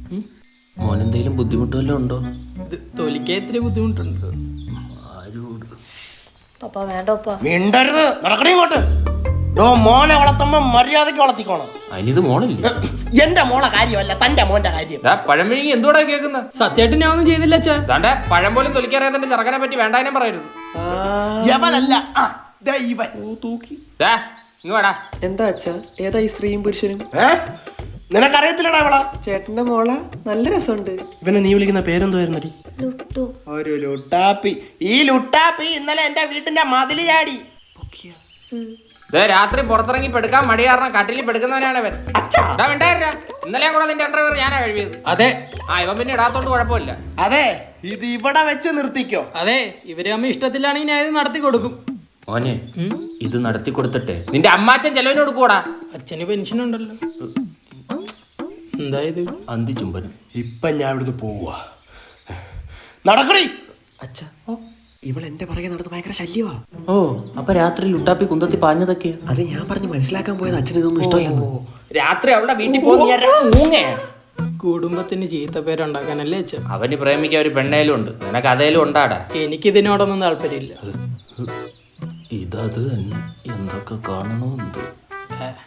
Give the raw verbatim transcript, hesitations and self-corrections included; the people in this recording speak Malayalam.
മോനെന്തെങ്കിലും ബുദ്ധിമുട്ടുവല്ലോ ഉണ്ടോ? തൊലിക്കാൻ ഇത്തിരി ബുദ്ധിമുട്ടുണ്ട്. ആരോട് പപ്പ വേണ്ട പപ്പ. മിണ്ടരുത്, നടക്കണേ ഇങ്ങോട്ട്. മോനെ വളർത്തുമ്പോ മര്യാദക്ക് വളർത്തിക്കോണം. അതിനിത് മോളില്ലേ? എന്റെ മോളെ കാര്യമല്ല, തന്റെ മോന്റെ കാര്യം. പഴം വിഴുങ്ങി എന്തുകൂടെ കേൾക്കുന്ന? സത്യമായിട്ട് ഞാൻ ഒന്നും ചെയ്തില്ല അച്ഛാ. ദാണ്ടെ പഴം പോലും തൊലിക്കറിയാതെ ചെറുക്കനെ പറ്റി വേണ്ടാനും പറയരുത്. യവനല്ല ഇവൻ. ഇങ്ങോടാ. എന്താ അച്ഛാ, ഏതാ ഈ സ്ത്രീയും പുരുഷനും? നിനക്കറിയത്തില്ലടാ അവളാ? ചേട്ടന്റെ മോള നല്ല രസമുണ്ട്. ഇവനെ നീ വിളിക്കുന്ന പേരെന്തുവായിരുന്നടി? ലുട്ടു. ഒരു ലുട്ടാപ്പി. ഈ ലുട്ടാപ്പി ഇന്നലെ എന്റെ വീട്ടിന്റെ മതില് ചാടി. രാത്രി പുറത്തിറങ്ങി പെടുക്കാൻ മടി കാരണം കട്ടിലിൽ പെടുക്കുന്നവനാണ് അവൻ. ഇന്നലെ കൂടെ നിന്റെ അണ്ടർവെയർ ഞാനാ കഴിവിയത്. അതെ. ആ ഇവൻ പിന്നെ ഇടാത്തോണ്ട് കുഴപ്പമില്ല. അതെ, ഇത് ഇവിടെ വെച്ച് നിർത്തിക്കോ. അതെ, ഇവര് അമ്മ ഇഷ്ടത്തിലാണെങ്കിൽ ഞാൻ ഇത് നടത്തി കൊടുക്കും. മോനെ, ഇത് നടത്തി കൊടുത്തിട്ടെ നിന്റെ അമ്മാച്ചൻ ചെലവിന് കൊടുക്കൂടാ. അച്ഛന് പെൻഷൻ ഉണ്ടല്ലോ. എന്തായത്? അന്തി ചുംബനം. ഇപ്പൊ ഞാൻ ഇവിടുന്ന് പോവാ. നടക്കണേ. അച്ഛാ, ഇവൾ എന്റെ പുറകെ നടന്ന് ഭയങ്കര ശല്യവാ. ഓ, അപ്പൊ രാത്രി ലുട്ടാപ്പി കുന്തത്തി പാഞ്ഞതൊക്കെ അത് ഞാൻ പറഞ്ഞ് മനസ്സിലാക്കാൻ പോയത് അച്ഛൻ ഇതൊന്നും ഇഷ്ടമല്ലെന്ന്. രാത്രി അവളുടെ വീട്ടിൽ പോകുന്ന കുടുംബത്തിന് ചീത്ത പേരുണ്ടാക്കാനല്ലേ അച്ഛൻ? അവന് പ്രേമിക്കാൻ ഒരു പെണ്ണേലും ഉണ്ട്, നിനക്ക് അതേലും ഉണ്ടാടാ. എനിക്കിതിനോടൊന്നും താല്പര്യമില്ല. ഇതത് തന്നെ എന്തൊക്കെ കാണണോ എന്തോ.